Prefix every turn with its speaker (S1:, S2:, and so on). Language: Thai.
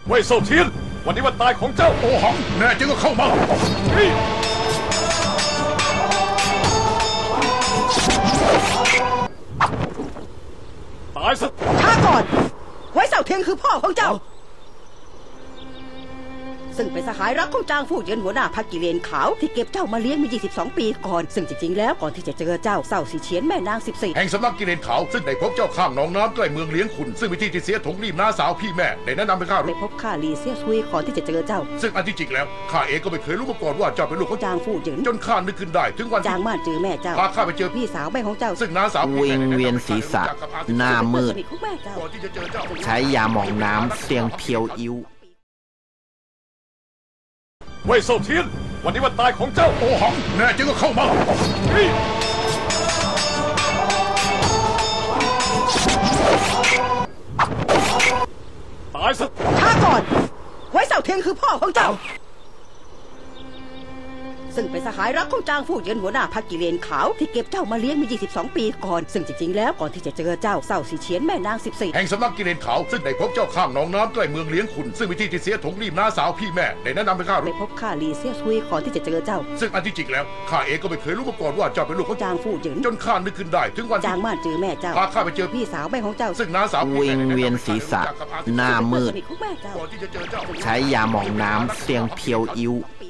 S1: เว่ยเซาเทียนวันนี้วันตายของเจ้าโอหังแน่จริงก็เข้ามาตายซะ
S2: ช้าก่อนเว่ยเซาเทียนคือพ่อของเจ้าซึ่งเป็นสหายรักของจางฟู่เหยินหัวหน้าพรรคกิเลนขาวที่เก็บเจ้ามาเลี้ยงมา22 ปีก่อนซึ่งจริงๆแล้วก่อนที่จะเจอเจ้าเศร้าสีเฉียนแม่นาง14แห่ง
S1: สำนักกิเลนขาวซึ่งได้พบเจ้าข้างหนองน้ำใกล้เมืองเลี้ยงขุนซึ่งวิธีที่เสียถงรีบน้าสาวพี่แม่ได้แนะนำให้ข้า
S2: ไปพบข้าลีเซียซุยก่อนที่จะเจอเจ้า
S1: ซึ่งอันที่จริงแล้วข้าเองก็ไม่เคยรู้มาก่อนว่าเจ้าเป็นลูกของ
S2: จางฟู่เหยิน
S1: จนข้านึกขึ้นได้ถึงวัน
S2: จางม่านเจอแม่เจ้า
S1: พาข้าไปเจอ
S2: พี่สาวแม่ของเจ้า
S1: ซึ่งน้าสาว
S3: วิงเวียนศีรษะหน้ามืดใช้ยาหมองน้ำเสียงเพียวอิ้ว
S1: เว่ยเซาเทียนวันนี้วันตายของเจ้าโอหังแน่จริงก็เข้ามาตายซะ
S2: ช้าก่อนเว่ยเซาเทียนคือพ่อของเจ้าซึ่งเป็นสหายรักของจางฟู่เหยินหัวหน้าพรรคกิเลนขาวที่เก็บเจ้ามาเลี้ยงมา22 ปีก่อนซึ่งจริงๆแล้วก่อนที่จะเจอเจ้าเศร้าสีเฉียนแม่นาง14
S1: แห่งสำนักกิเลนขาวซึ่งได้พบเจ้าข้างหนองน้ำใกล้เมืองเลี้ยงขุนซึ่งวิธีที่เสียถงรีบน้าสาวพี่แม่ได้แนะนำให้ข้า
S2: ไปพบข้าลีเซียซุยก่อนที่จะเจอเจ้า
S1: ซึ่งอันที่จริงแล้วข้าเองก็ไม่เคยรู้มาก่อนว่าเจ้าเป็นลูกของ
S2: จางฟู่เหยิน
S1: จนข้านึกขึ้นได้ถึงวัน
S2: จางม่านเจอแม่เจ้า
S1: พาข้าไปเจอ
S2: พี่สาวแม่ของเจ้า
S3: ซึ่งน้าสาววิงเวียนศีรษะหน้ามืดใช้ยาหมองน้ำเสียงเพียวอิ้ว